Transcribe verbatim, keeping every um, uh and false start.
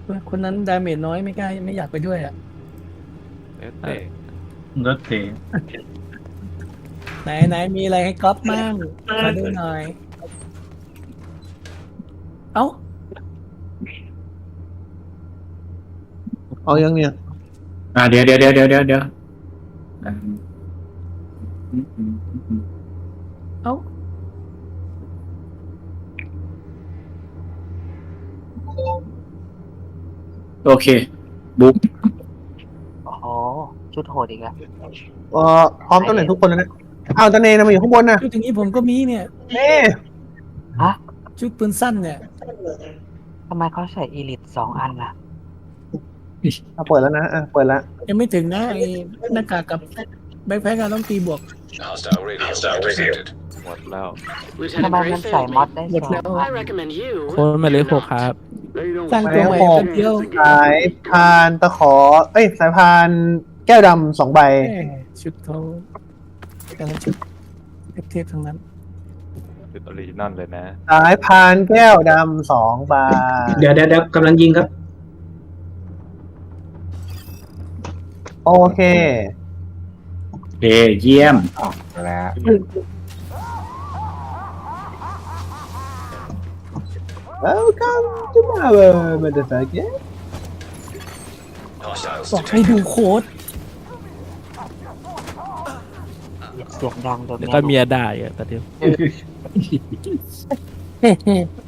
คนนั้นดาเมจน้อยไม่กล้าไม่อยากไปด้วยอ่ะแล้วแต่รถเตะไหนไหนมีอะไรให้ก๊อปมั่งขอดูหน่อย เอ้าเอายังเนี่ยอ่าเดี๋ยวเดี๋ยวเดี๋ยวเดี๋ยวเดี๋ยวเดี๋ยวอ่าเอ้าโอเคบุ๊กโอ้โหชุดโหดอีกแล้วเอ่อพร้อมตำแหน่งทุกคนแล้วนะอ้าวตาเนนะมาอยู่ข้างบนนะชุดอย่างนี้ผมก็มีเนี่ยเน่ฮะชุดปืนสั้นเนี่ยทำไมเขาใส่อีลิทสองอันล่ะอ่ะเปิดแล้วนะอ่ะเปิดแล้วยังไม่ถึงนะไอ้หน้ากากกับแบ็คแพ็คอะต้องตีบวก Hostile radio intercepted. หมดแล้วทำไมมันใส่มอดได้หมดสอแล้งวอัน I recommend you. โค้ดหมายเลขหกครับสร้างตัวใหม่กันเดียวสายพานตะขอ เอ้ยสายพานแก้วดำสองใบแม่ชุดเขาแต่ละชุดเทพๆทั้งนั้นเป็นออริจินอลเลยนะสายพานแก้วดำสองใบเดี๋ยวเดี๋ยวเดี๋ยวกำลังยิงครับโอเคเอเยี่ยมแล้ว Welcome to my world motherfucker Hostiles บอกให้ detected. ดูโค้ดเสียงดังโดนแล้วก็เมียด่าอีกอะแต่เดียวเฮ้